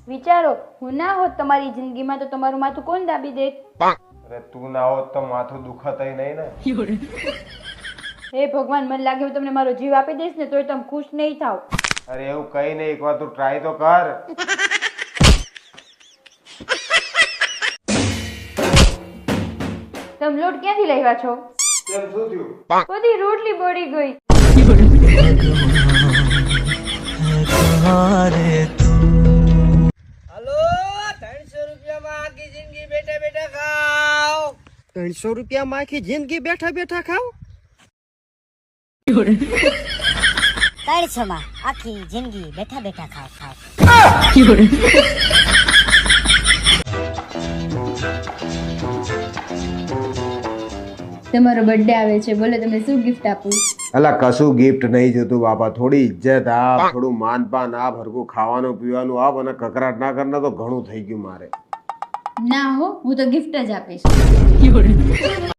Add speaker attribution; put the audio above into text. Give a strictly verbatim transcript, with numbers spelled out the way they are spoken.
Speaker 1: વિચારો, હું ના હોત તમારી જિંદગીમાં તો તમારું માથું કોણ દાબી દેત?
Speaker 2: અરે તું ના હોત તો માથું દુખતય નહીં ને.
Speaker 1: હે ભગવાન, મને લાગે હું તમને મારો જીવ આપી દઈશ ને તોય તમે ખુશ નહીં થાવ.
Speaker 2: અરે એવું કઈ નહીં, એકવાર તું ટ્રાય તો કર.
Speaker 1: તમે લોટ ક્યાંથી લાવ્યા છો?
Speaker 2: કેમ શું થયું?
Speaker 1: બધી રોટલી બળી ગઈ.
Speaker 3: હલો, ત્રણસો રૂપિયામાં આખી જિંદગી બેઠા બેઠા ખાઓ. ત્રણસો રૂપિયામાં આખી જિંદગી બેઠા બેઠા ખાઓ.
Speaker 4: ત્રણસો માં આખી જિંદગી બેઠા બેઠા ખાવ ખાવ.
Speaker 1: તમારો બર્થડે આવે છે, બોલો તમને શું ગિફ્ટ આપું?
Speaker 2: અલા કશું ગિફ્ટ નહીં જોતું બાપા, થોડી ઇજ્જત આપ, થોડું માનપાન આપ, હરખું ખાવાનું પીવાનું આપ અને કકરાટ ના કરના તો ઘણું થઈ ગયું મારે.
Speaker 1: ના હો, હું તો ગિફ્ટ જ આપીશ.